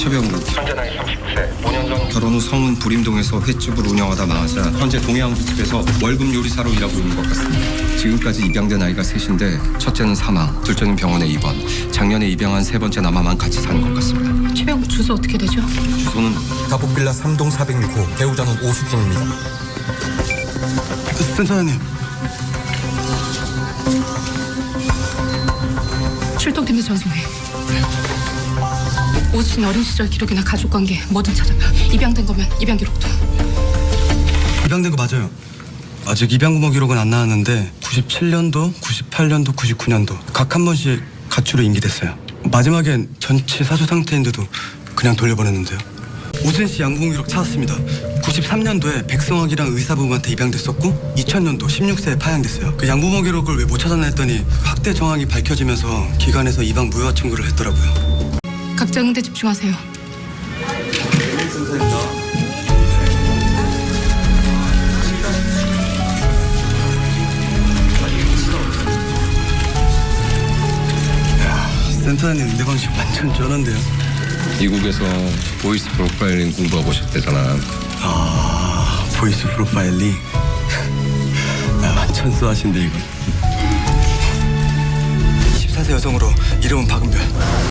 최병국. 현재 나이 39세. 5년 전 결혼 후 성운 부림동에서 횟집을 운영하다 망하자 현재 동해안국집에서 월급 요리사로 일하고 있는 것 같습니다. 지금까지 입양된 아이가 셋인데 첫째는 사망, 둘째는 병원에 입원. 작년에 입양한 세 번째 남아만 같이 사는 것 같습니다. 최병국 주소 어떻게 되죠? 주소는 가복빌라 3동 406호. 배우자는 오수진입니다. 센터장님. 출동팀에 전송해. 오수진 어린 시절 기록이나 가족관계 뭐든 찾아봐. 입양된 거면 입양 기록도. 입양된 거 맞아요. 아직 입양부모 기록은 안 나왔는데 97년도, 98년도, 99년도 각 한 번씩 가출로 임기됐어요. 마지막엔 전치 사수 상태인데도 그냥 돌려보냈는데요. 오수진 씨 양부모 기록 찾았습니다. 93년도에 백성학이랑 의사부부한테 입양됐었고 2000년도 16세에 파양됐어요. 그 양부모 기록을 왜 못 찾았나 했더니 학대 정황이 밝혀지면서 기관에서 입양 무효화 청구를 했더라고요. 각자 응대 집중하세요. 센터장님 응대 방식 완전 쩌는데요. 미국에서 보이스 프로파일링 공부하고 싶대잖아. 아, 보이스 프로파일링. 완전 쏘하신데 이거. 24세 여성으로 이름은 박은별.